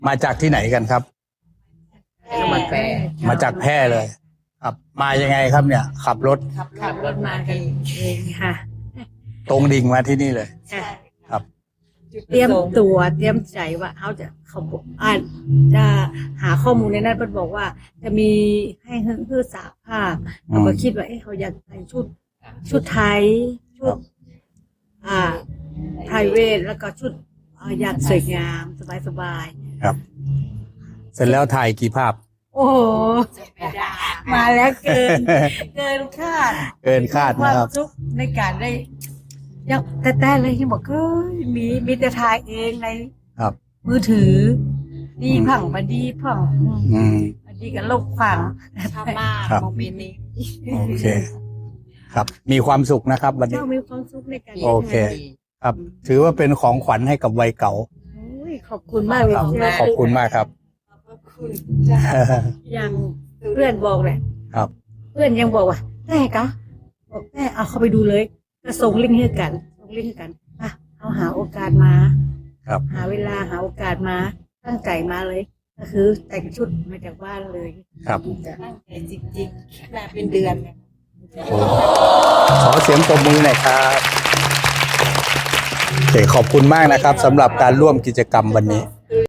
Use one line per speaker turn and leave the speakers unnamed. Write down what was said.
มาจากที่ไหนกันครับ
มาแปร
มาจากแพร่เลยครับมายังไงครับเนี่ย ขับรถ
ขับรถมากันเองค่ะ
ตรงดิ่งมาที่นี่เลย
ค่ะ
ครับ
เตรียมตัวเตรียมใจว่าเขาจะจะหาข้อมูลในนั้นมันบอกว่า จะมีให้เพื่อสาภาพเราก็คิดว่าเขาอยากใส่ชุดไทยชุดไพรเวทแล้วก็ชุดอยากสวยงามสบาย
ครับ เสร็จแล้วถ่ายกี่ภาพ
ๆโอ้โหมาแล้วเกินคาด
เกินคาดนะครับ
วามสุขในการได้ยังแต่เลยที่บอกมีแต่ถ่ายเองใน
ครับ
มือถือ ดีผังมาดีผัง
อืม
มาดีกับโลกผัง
ชอบมาก
ครับ
โมเมนต์นี้
โอเค ครับ มีความสุขนะครับวันนี้
เจ้ามีความสุขในการ
โอเค ครับ ถือว่าเป็นของขวัญให้กับวัยเก่า
โอ้ยขอบคุณมากเลย
ขอบคุณมากครับ
ขอบคุณจ้า
อย่างเพื่อนบอกเลย
ครับ
เพื่อนยังบอกว่าได้กะบอกได้เอาเข้าไปดูเลยก็ส่งลิงก์ให้กันส่งลิงก์ให้กันอ่ะเอาหาโอกาสมา
ครับ
หาเวลาหาโอกาสมาตั้งใจมาเลย ก็คือแต่งชุดมาจากบ้านเลย
ครับ
ตั้งใจจริงๆคิดมาเป็นเดือนเลย
โอ้ขอเสียงปรบมือหน่อยครับโอเคขอบคุณมากนะครับสำหรับการร่วมกิจกรรมวันนี้